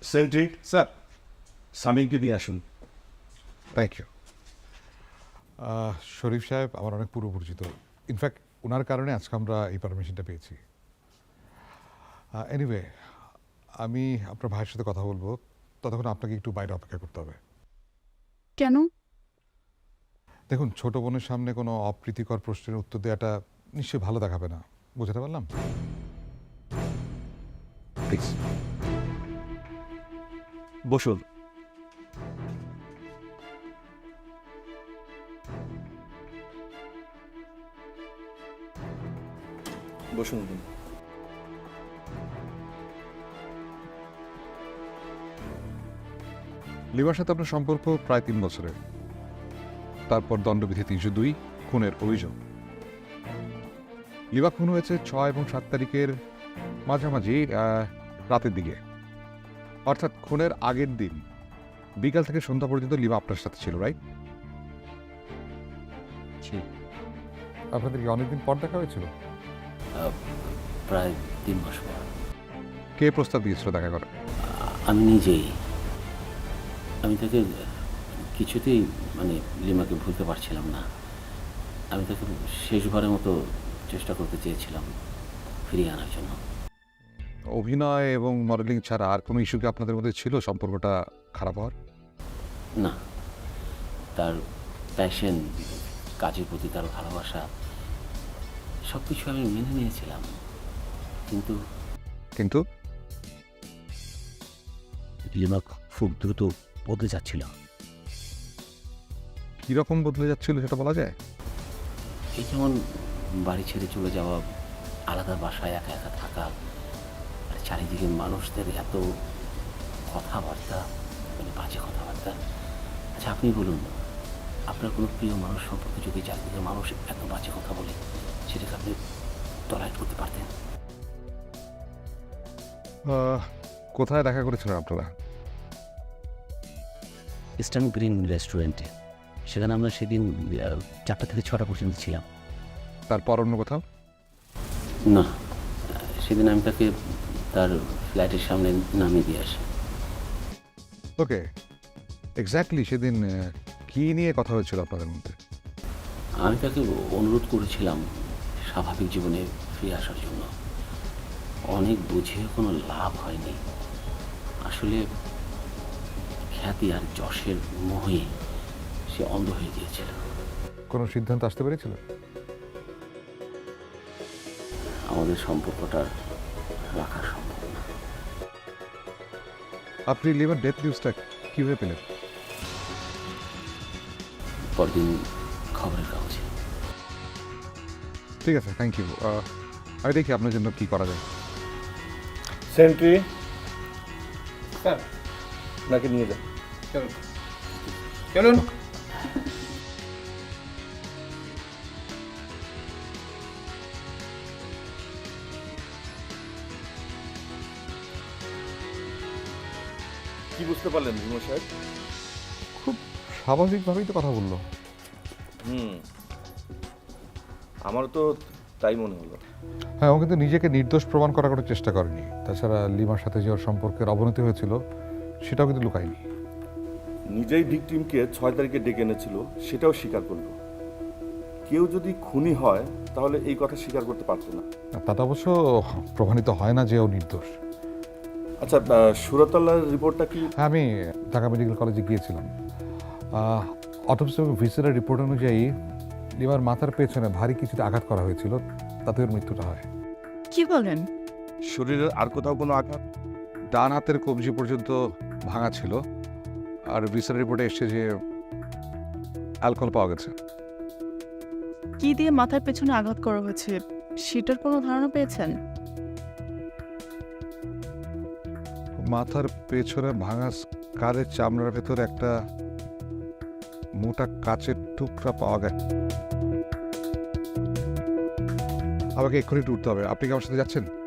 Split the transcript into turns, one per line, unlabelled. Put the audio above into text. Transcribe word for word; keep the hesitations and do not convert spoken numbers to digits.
Sentry
sir.
সামিংকে দিয়ে আসুন।
Thank you. শরীফ সাহেব আমার অনেক পূর্ব পরিচিত, ইনফ্যাক্ট ওনার কারণে আজকে আমরা এই পারমিশনটা পেয়েছি। এনিওয়ে, আমি আপনার ভাইয়ের সাথে কথা বলবো, ততক্ষণ আপনাকে একটু বাইরে অপেক্ষা করতে হবে।
কেন?
দেখুন, ছোট বোনের সামনে কোনো অপ্রীতিকর প্রশ্নের উত্তর দেওয়াটা নিশ্চয়ই ভালো দেখাবে না, বুঝতে পারলাম? প্লিজ
বসুন। বসুন।
লিমার সাথে আপনার সম্পর্ক প্রায় তিন বছরের, তারপর দণ্ডবিধি তিনশো দুই খুনের অভিযোগ। লিমা খুন হয়েছে ছয় এবং সাত তারিখের মাঝামাঝি আহ, রাতের দিকে, অর্থাৎ খুনের আগের দিন বিকাল থেকে সন্ধ্যা পর্যন্ত লিমা আপনার সাথে ছিল, রাইট? আপনাদের কি অনেকদিন পর দেখা হয়েছিল?
প্রায় তিন মাস পর।
কে প্রস্তাব দিয়েছিল দেখা করার?
আমি নিজেই। আমি তাকে কিছুতেই মানে লিমাকে ভুলতে পারছিলাম না। আমি তাকে শেষবারের মতো চেষ্টা করতে চেয়েছিলাম ফিরিয়ে আনার জন্য।
অভিনয় এবং মডেলিং ছাড়া আর কোনো ইস্যু কি আপনাদের মধ্যে ছিল সম্পর্কটা খারাপ হওয়ার?
না, তার প্যাশন, কাজের প্রতি তার ভালোবাসা, সব কিছু আমি মেনে নিয়েছিলাম। কিন্তু
কিন্তু
লিমা খুব দ্রুত বদলে যাচ্ছিল।
কিরকম বদলে যাচ্ছিল সেটা বলা যায়?
এই যেমন বাড়ি ছেড়ে চলে যাওয়া, আলাদা বাসায় একা একা থাকা, আর চারিদিকে মানুষদের এত কথাবার্তা, মানে বাজে কথাবার্তা। আচ্ছা, আপনি বলুন, আপনার কোনো প্রিয় মানুষ সম্পর্কে যদি চারিদিকের মানুষ এত বাজে কথা বলে, সেটাকে আপনি টলারেট করতে পারতেন?
আহ, কোথায় দেখা করেছিলেন আপনারা?
ইস্টার্ন গ্রিন রেস্টুরেন্টে। সেখানে আমরা সেদিন আহ, চারটা থেকে ছটা পর্যন্ত ছিলাম।
তারপর অন্য কোথাও?
না, সেদিন আমি তাকে তার ফ্ল্যাটের সামনে নামিয়ে দিয়ে আসি।
ওকে, এক্স্যাক্টলি সেদিন আহ, কি নিয়ে কথা হয়েছিল আপনাদের মধ্যে?
আমি তাকে অনুরোধ করেছিলাম স্বাভাবিক জীবনে ফিরে আসার জন্য। অনেক বুঝিয়ে কোনো লাভ হয়নি। আসলে খ্যাতি আর যশের মোহে সে অন্ধ হয়ে গিয়েছিল।
কোনো সিদ্ধান্ত আসতে পেরেছিল?
আমাদের সম্পর্কটা রাখা সম্ভব না।
আপনি লিভার ডেথ নিউজটা কীভাবে পেলেন?
পরদিন খবরের কাগজে।
ঠিক আছে, থ্যাংক ইউ। আমি দেখি আপনার জন্য কি করা যায়।
Sentry
sir.
নাকি নিয়ে যান।
চলুন চলুন।
কি বুঝতে পারলেন ভীম সাহেব?
খুব স্বাভাবিকভাবেই তো কথা বললো।
হুম, আমারও তো তাই মনে হলো।
হ্যাঁ, ও কিন্তু নিজেকে নির্দোষ প্রমাণ করার কোনো চেষ্টা করেনি। তাছাড়া লিমার সাথে যে ওর সম্পর্কের অবনতি হয়েছিল সেটাও কিন্তু লুকায়নি।
নিজেই ভিকটিমকে ছয় তারিখে ডেকে এনেছিল, সেটাও স্বীকার করলো। কেউ যদি খুনি হয় তাহলে এই কথা স্বীকার করতে পারতো না।
তাতে অবশ্য প্রমাণিত হয় না যে ও নির্দোষ।
আচ্ছা, সুরতাল্লার রিপোর্টটা কি?
হ্যাঁ, আমি ঢাকা মেডিকেল কলেজে গিয়েছিলাম। অটোপসি এবং ভিসেরার রিপোর্ট অনুযায়ী লিমার মাথার পেছনে ভারী কিছুতে আঘাত করা হয়েছিল, তাতে ওর মৃত্যুটা হয়।
কি বলেন?
শরীরের আর কোথাও কোনো আঘাত?
ডান হাতের কবজি পর্যন্ত ভাঙা ছিল, আর ভিসেরার রিপোর্টে এসছে যে অ্যালকোহল পাওয়া গেছে।
কি দিয়ে মাথার পেছনে আঘাত করা হয়েছে সেটার কোনো ধারণা পেয়েছেন?
মাথার পেছনে ভাঙা স্কারের চামড়ার ভেতর একটা মোটা কাচের টুকরা পাওয়া গেছে। আমাকে এক্ষুনি একটু উঠতে হবে, আপনি কি আমার সাথে যাচ্ছেন?